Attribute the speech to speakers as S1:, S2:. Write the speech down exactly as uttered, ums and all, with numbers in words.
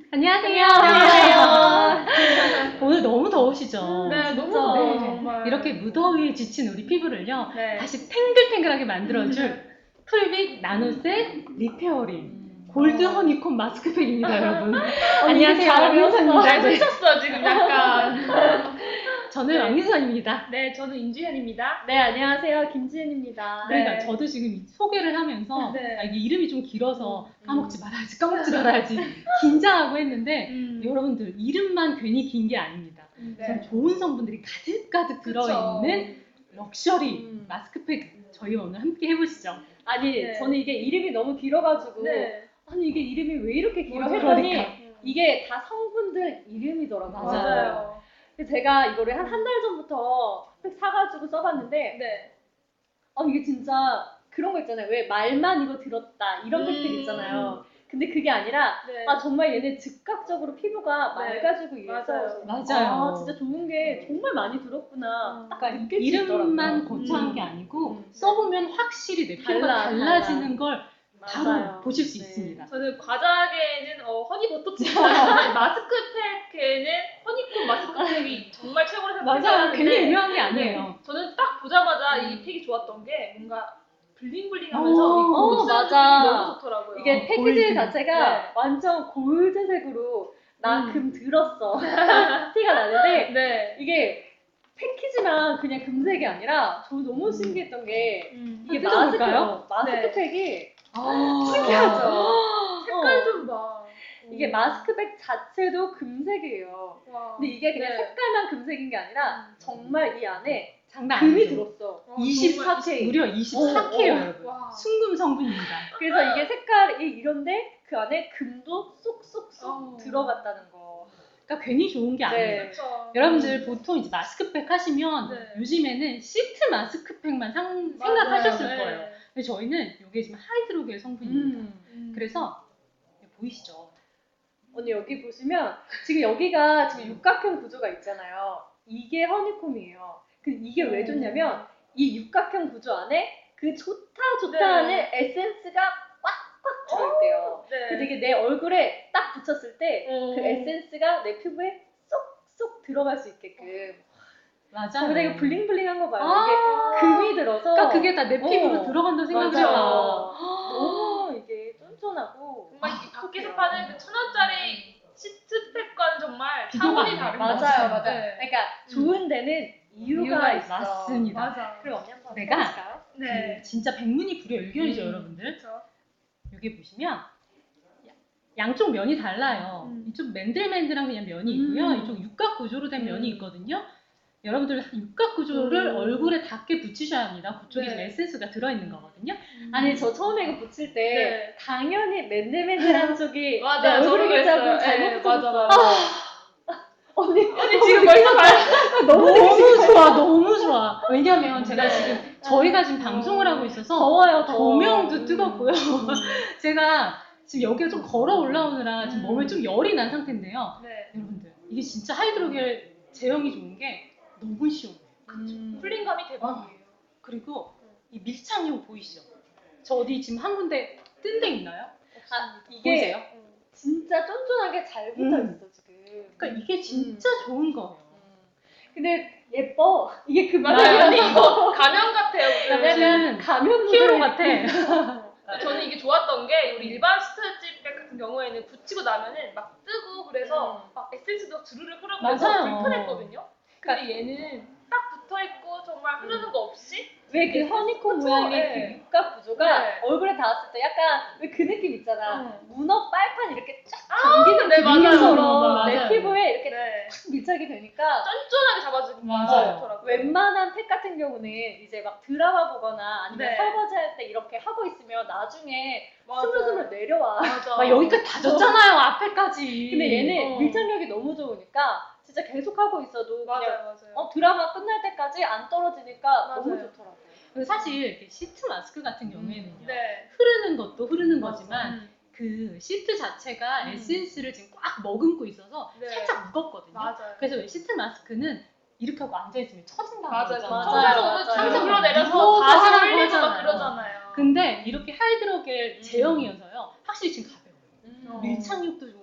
S1: 안녕하세요.
S2: 안녕하세요.
S1: 오늘 너무 더우시죠?
S2: 네, 너무
S1: 진짜.
S2: 더워요,
S1: 네.
S2: 정말.
S1: 이렇게 무더위에 지친 우리 피부를요,
S2: 네.
S1: 다시 탱글탱글하게 만들어줄 풀빛 나노셀 리페어링 골드
S2: 어.
S1: 허니콤 마스크팩입니다, 여러분.
S2: 안녕하세요.
S1: 안녕하세요, 왕민선입니다.
S2: 잘
S1: 네.
S2: 쓰셨어, 지금 약간.
S1: 저는
S2: 네.
S1: 왕민선입니다.
S2: 네, 저는 인주현입니다.
S3: 네, 안녕하세요. 김지은입니다.
S1: 그러니까
S2: 네.
S1: 저도 지금 이 소개를 하면서
S2: 네.
S1: 아, 이게 이름이 좀 길어서
S3: 음.
S1: 까먹지 말아야지, 까먹지 말아야지 긴장하고 했는데
S2: 음.
S1: 여러분들 이름만 괜히 긴 게 아닙니다.
S2: 네.
S1: 좀 좋은 성분들이 가득가득 들어있는 럭셔리
S3: 음.
S1: 마스크팩 저희 오늘 함께 해보시죠.
S3: 아니,
S2: 네.
S3: 저는 이게 이름이 너무 길어가지고
S2: 네.
S3: 아니 이게 이름이 왜 이렇게 길어
S2: 맞아요.
S3: 했더니
S1: 그러니까.
S3: 이게 다 성분들 이름이더라고요.
S1: 맞아요.
S2: 맞아요.
S3: 그래서 제가 이거를 한 한 달 전부터 팩 사가지고 써봤는데
S2: 네.
S3: 아 이게 진짜 그런 거 있잖아요. 왜 말만 이거 들었다 이런
S2: 음.
S3: 팩들 있잖아요. 근데 그게 아니라
S2: 네.
S3: 아 정말 얘네 즉각적으로 피부가
S2: 네.
S3: 맑아지고 이래서
S2: 맞아요.
S1: 맞아요.
S3: 아 진짜 좋은 게 정말 많이 들었구나.
S2: 음.
S3: 딱
S1: 그러니까
S3: 느낄 수
S1: 이름만
S3: 있더라고요.
S1: 거창한
S3: 음.
S1: 게 아니고
S3: 음.
S1: 써보면 확실히 내 피부가
S3: 달라,
S1: 달라지는 걸 바로
S3: 맞아요.
S1: 보실 수
S3: 네.
S1: 있습니다.
S2: 저는 과자계에는 어, 허니버터치지만 마스크팩에는 허니콤 마스크팩이 정말 최고로
S1: 맞아요.
S2: 생각하는데
S1: 괜히 유명한 게 아니에요.
S2: 저는 딱 보자마자
S3: 음.
S2: 이 팩이 좋았던 게 뭔가
S1: 어,
S2: 블링블링하면서 이
S3: 어,
S2: 고급
S3: 맞아.
S2: 너무 좋더라고요.
S3: 이게 패키지
S1: 골드.
S3: 자체가
S2: 네.
S3: 완전 골드색으로 나
S2: 음.
S3: 금 들었어 티가 나는데
S2: 네.
S3: 이게 패키지만 그냥 금색이 아니라 저 너무 신기했던 게
S2: 음.
S3: 이게
S1: 한번
S3: 마스크
S1: 뜯어볼까요?
S3: 마스크팩이
S1: 아,
S3: 신기하죠.
S2: 색깔
S3: 어.
S2: 좀 봐.
S3: 이게 마스크팩 자체도 금색이에요.
S2: 와.
S3: 근데 이게 그냥
S2: 네.
S3: 색깔만 금색인 게 아니라
S2: 음.
S3: 정말 이 안에
S1: 장난
S3: 금이
S1: 아니죠.
S3: 들었어.
S2: 어,
S3: 이십사 케이.
S1: 무려 이십사 케이예요,
S3: 어, 어.
S1: 여러분.
S2: 와.
S1: 순금 성분입니다.
S3: 그래서 이게 색깔이 이런데 그 안에 금도 쏙쏙쏙
S2: 어.
S3: 들어갔다는 거.
S1: 그러니까 괜히 좋은 게 아니에요.
S3: 네.
S2: 그쵸.
S1: 여러분들 보통 이제 마스크팩 하시면
S2: 네.
S1: 요즘에는 시트 마스크팩만 상,
S2: 맞아요.
S1: 생각하셨을
S2: 네.
S1: 거예요. 근데 저희는 이게 지금 하이드로겔 성분입니다.
S3: 음.
S2: 음.
S1: 그래서 보이시죠?
S3: 언니 여기 보시면 지금 여기가 지금 육각형 구조가 있잖아요. 이게 허니콤이에요. 그 이게 왜 좋냐면 이 육각형 구조 안에 그 좋다 좋다
S2: 네.
S3: 하는 에센스가 꽉꽉 들어있대요.
S2: 네.
S3: 그래서 이게 내 얼굴에 딱 붙였을 때 그
S2: 어.
S3: 에센스가 내 피부에 쏙쏙 들어갈 수 있게끔.
S1: 맞아요.
S3: 근데 이거 블링블링한 거 봐요.
S1: 아.
S3: 이게 금이 들어서
S1: 그러니까 그게 다 내 피부로
S3: 어.
S1: 들어간다 생각해요.
S3: 맞아요. 너무 이게 쫀쫀하고
S2: 정말 이 밖에서
S3: 아,
S2: 파는 그 천 원짜리 시트팩과는 정말
S1: 비교가
S2: 차원이
S1: 안 돼요.
S2: 다른
S3: 맞아요,
S2: 것
S3: 맞아요.
S2: 같아요. 네.
S3: 그러니까 좋은 데는 이유가,
S1: 이유가
S3: 있어.
S1: 맞습니다.
S2: 맞아.
S3: 그럼 언니 한번
S1: 내가
S3: 해볼까요?
S2: 네.
S1: 그 진짜 백문이 불여일견이죠,
S3: 음.
S1: 여러분들.
S2: 그렇죠.
S1: 여기 보시면 양쪽 면이 달라요.
S2: 음.
S1: 이쪽 맨들맨들한 그냥 면이 있고요.
S3: 음.
S1: 이쪽 육각 구조로 된
S3: 음.
S1: 면이 있거든요. 여러분들 육각 구조를
S3: 음.
S1: 얼굴에 닿게 붙이셔야 합니다. 그쪽에
S2: 네.
S1: 지금 에센스가 들어있는 거거든요.
S3: 아니 저 처음에 이거 붙일 때
S2: 네.
S3: 당연히 맨들맨들한 쪽이
S2: 맞아요.
S3: 내 얼굴이겠지
S2: 저도
S3: 하고
S2: 그랬어요.
S3: 잘못
S2: 네,
S3: 붙였어요.
S2: 맞아,
S3: 언니
S2: 언니 지금 벌써 말
S1: 너무, 좋아, 너무 좋아. 왜냐면 제가
S2: 네.
S1: 지금 저희가 지금 방송을 하고 있어서
S3: 더워요, 더워.
S1: 조명도
S3: 음.
S1: 뜨겁고요.
S3: 음.
S1: 제가 지금 여기가 좀 걸어 올라오느라 지금
S3: 음.
S1: 몸에 좀 열이 난 상태인데요.
S2: 네.
S1: 여러분들 이게 진짜 하이드로겔 제형이 좋은 게 너무 시원해요.
S3: 음.
S2: 풀링감이 대박이에요.
S1: 그리고 이 밀착력 보이시죠? 저 어디 지금 한 군데 뜬 데 있나요?
S3: 아, 이게
S1: 보이세요?
S3: 음, 진짜 쫀쫀하게 잘 붙어
S1: 음.
S3: 있어 지금.
S1: 그러니까 이게 진짜 좋은 거예요.
S3: 음. 근데 예뻐. 이게 그
S2: 맞아요. 언니 이거 가면 같아요. 무슨.
S1: 약간
S3: 가면
S1: 히어로 같아.
S2: 저는 이게 좋았던 게 우리 일반 스타일집백 같은 경우에는 붙이고 나면은 막 뜨고 그래서
S3: 음.
S2: 막 에센스도 주르르 흐르고
S1: 맞아요.
S2: 그래서 불편했거든요. 근데 얘는 딱 붙어있고 정말 흐르는 거 없이
S3: 왜 그 허니콤
S2: 그쵸?
S3: 모양의
S2: 네.
S3: 그 육각 구조가
S2: 네.
S3: 얼굴에 닿았을 때 약간 왜 그 느낌 있잖아.
S2: 음.
S3: 문어 빨판 이렇게 쫙 당기는
S2: 네,
S3: 그
S2: 맞아요.
S3: 느낌처럼 내
S1: 맞아요.
S3: 피부에 이렇게
S2: 네.
S3: 탁 밀착이 되니까
S2: 쫀쫀하게 잡아주고
S1: 맞아요.
S2: 좋더라고요.
S3: 웬만한 팩 같은 경우는 이제 막 드라마 보거나 아니면
S2: 네.
S3: 설거지 할 때 이렇게 하고 있으면 나중에
S2: 맞아요.
S3: 스물스물 내려와.
S2: 맞아.
S1: 막 여기까지 다 졌잖아요, 앞에까지.
S3: 근데 얘는
S2: 어.
S3: 밀착력이 너무 좋으니까 진짜 계속 하고 있어도
S2: 맞아요,
S3: 그냥
S2: 맞아요.
S3: 어, 드라마 끝날 때까지 안 떨어지니까 너무
S2: 맞아요.
S3: 좋더라고요.
S1: 그리고 사실 이렇게 시트 마스크 같은 경우에는요.
S2: 네.
S1: 흐르는 것도 흐르는
S3: 맞아.
S1: 거지만
S2: 음.
S1: 그 시트 자체가
S2: 음.
S1: 에센스를 지금 꽉 머금고 있어서
S2: 네.
S1: 살짝 무겁거든요.
S2: 맞아요.
S1: 그래서 왜 시트 마스크는 이렇게 하고 앉아있으면 처진다고
S2: 맞아요.
S1: 그러잖아요.
S3: 맞아요.
S2: 처져서
S3: 맞아요.
S2: 오늘
S1: 항상
S2: 줄 흘러내려서
S1: 무거워서
S2: 바지를
S1: 하라고
S2: 흘리고 막
S1: 하잖아요.
S2: 그러잖아요.
S1: 근데 이렇게 하이드로겔
S2: 음.
S1: 제형이어서요. 확실히 지금 가벼워요.
S3: 음.
S2: 어.
S1: 밀착력도